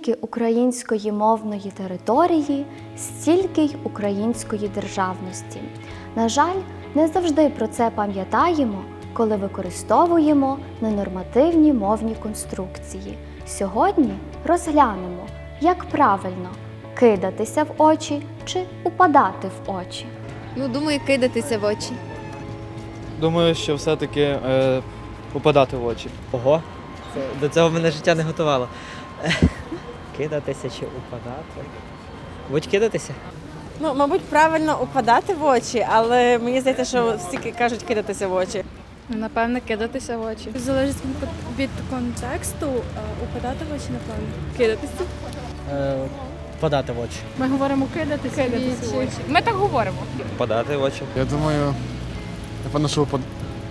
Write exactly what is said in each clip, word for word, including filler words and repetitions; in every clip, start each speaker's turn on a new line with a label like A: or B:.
A: скільки української мовної території, стільки й української державності. На жаль, не завжди про це пам'ятаємо, коли використовуємо ненормативні мовні конструкції. Сьогодні розглянемо, як правильно кидатися в очі чи упадати в очі.
B: Ну, думаю, кидатися в очі.
C: Думаю, що все-таки е, упадати в очі.
D: Ого, це, до цього мене життя не готувало. Кидатися чи упадати? Будь кидатися?
E: Ну, мабуть, правильно упадати в очі, але мені здається, що всі кажуть кидатися в очі.
F: Напевно, кидатися в очі.
G: Залежить від контексту, упадати в очі, напевно.
F: Кидатися.
D: Е, Впадати в очі.
G: Ми говоримо кидатися, кидатися в очі.
F: Ми так говоримо.
C: Впадати в очі.
H: Я думаю, напевно, що упад...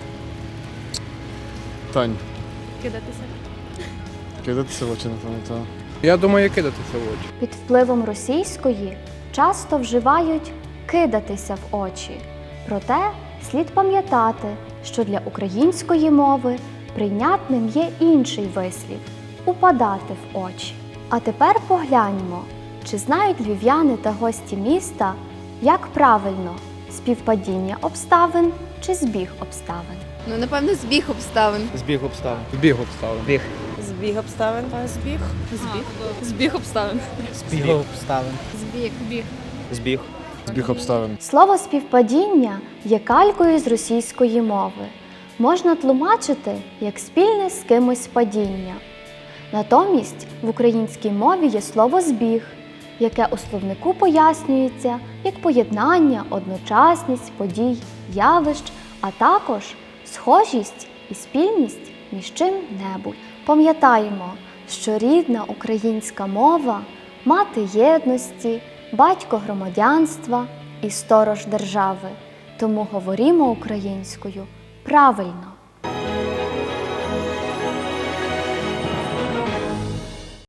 H: Тань,
G: Кидатися.
H: кидатися в очі, напевно, так.
I: Я думаю, кидатися в очі.
A: Під впливом російської часто вживають «кидатися в очі». Проте слід пам'ятати, що для української мови прийнятним є інший вислів – «упадати в очі». А тепер погляньмо, чи знають львів'яни та гості міста, як правильно – співпадіння обставин чи збіг обставин.
B: Ну, напевно, збіг обставин.
C: Збіг обставин.
I: Збіг обставин.
D: Біг.
E: Збіг обставин.
G: Збіг.
F: Збіг. Збіг обставин.
D: Збіг обставин.
G: Збіг. Біг.
C: Збіг.
H: Збіг обставин.
A: Слово «співпадіння» є калькою з російської мови. Можна тлумачити як спільне з кимось падіння. Натомість в українській мові є слово «збіг», яке у словнику пояснюється як поєднання, одночасність подій, явищ, а також схожість і спільність між чим-небудь. Пам'ятаємо, що рідна українська мова – мати єдності, батько громадянства і сторож держави. Тому говоримо українською правильно.